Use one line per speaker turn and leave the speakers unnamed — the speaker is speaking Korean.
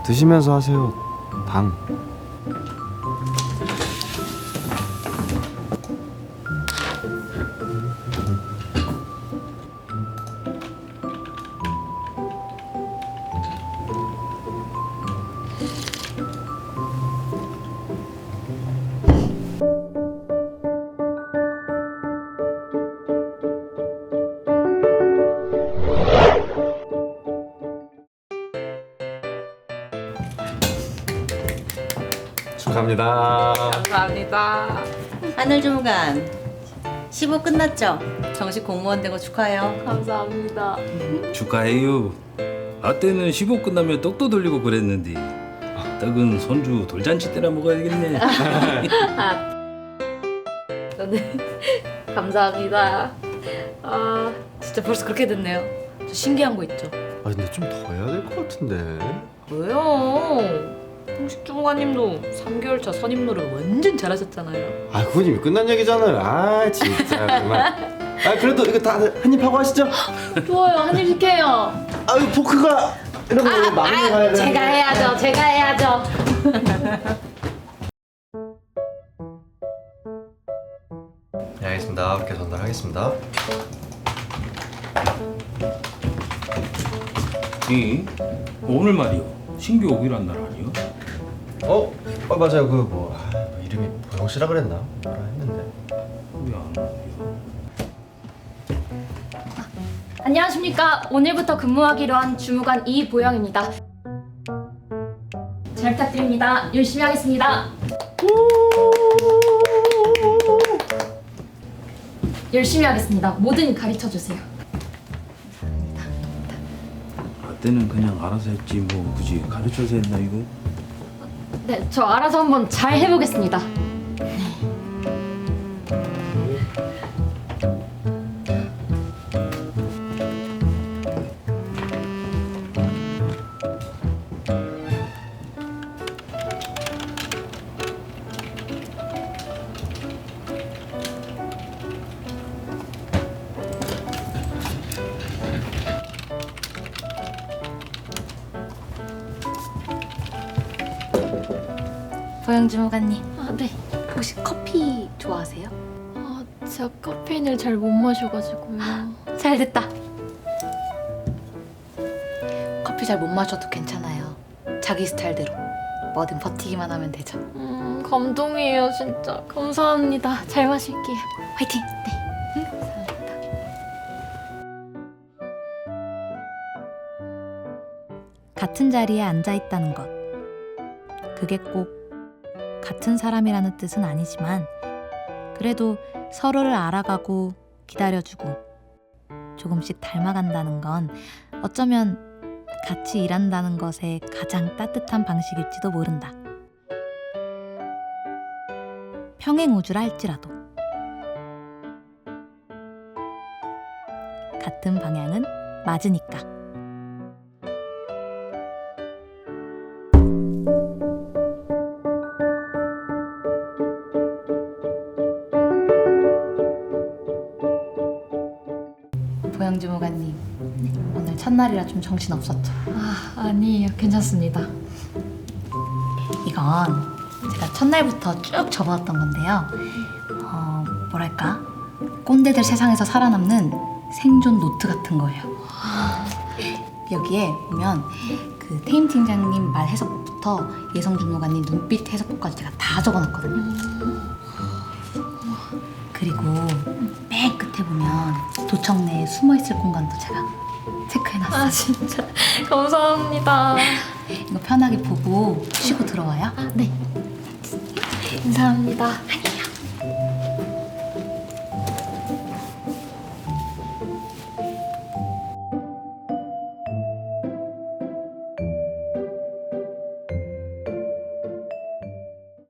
드시면서 하세요. 당. 축하합니다.
감사합니다.
하늘주무관 15 끝났죠? 정식 공무원 되고 축하해요.
감사합니다.
축하해요. 아때는 15 끝나면 떡도 돌리고 그랬는데 떡은 손주 돌잔치 때나 먹어야겠네.
네. 감사합니다. 아, 진짜 벌써 그렇게 됐네요. 저 신기한 거 있죠?
아 근데 좀 더 해야 될 것 같은데.
왜요? 형식 주무관님도 3개월 차 선임 노릇 완전 잘하셨잖아요.
아 그건 이미 끝난 얘기잖아요. 아 진짜 그만. 아 그래도 이거 다들 한입 하고 하시죠.
좋아요. 한입 시켜요.
아유 포크가 이런 거 많이 가야 돼.
제가 해야죠. 제가 해야죠.
네, 알겠습니다. 이렇게 전달하겠습니다.
이 오늘 말이요. 신규 오기란 날 아니요?
맞아요. 그 뭐 이름이 보영 씨라 그랬나? 뭐라 했는데.
왜 안 오요?
안녕하십니까. 오늘부터 근무하기로 한 주무관 이보영입니다. 잘 부탁드립니다. 열심히 하겠습니다. 열심히 하겠습니다. 뭐든 가르쳐주세요.
아때는 그냥 알아서 했지 뭐 굳이 가르쳐서 했나 이거?
네, 저 알아서 한번 잘 해보겠습니다. 보영 주무관님.
아, 네.
혹시 커피 좋아하세요?
아, 제가 카페인을 잘 못 마셔가지고요.
잘 됐다. 커피 잘 못 마셔도 괜찮아요. 자기 스타일대로 뭐든 버티기만 하면 되죠.
감동이에요, 진짜. 감사합니다. 잘 마실게요.
화이팅! 네. 감사합니다.
같은 자리에 앉아 있다는 것. 그게 꼭 같은 사람이라는 뜻은 아니지만 그래도 서로를 알아가고 기다려주고 조금씩 닮아간다는 건 어쩌면 같이 일한다는 것의 가장 따뜻한 방식일지도 모른다. 평행우주라 할지라도 같은 방향은 맞으니까.
보영 주무관님, 오늘 첫날이라 좀 정신 없었죠?
아니에요. 괜찮습니다.
이건 제가 첫날부터 쭉 접어왔던 건데요. 뭐랄까 꼰대들 세상에서 살아남는 생존 노트 같은 거예요. 여기에 보면 그 태임 팀장님 말 해석부터 예성 주무관님 눈빛 해석까지 제가 다 적어놨거든요. 그리고 맨 끝에 보면 도청 내에 숨어있을 공간도 제가 체크해놨어요.
아, 진짜. 감사합니다.
이거 편하게 보고 쉬고 들어와요.
네. 감사합니다.
화이팅!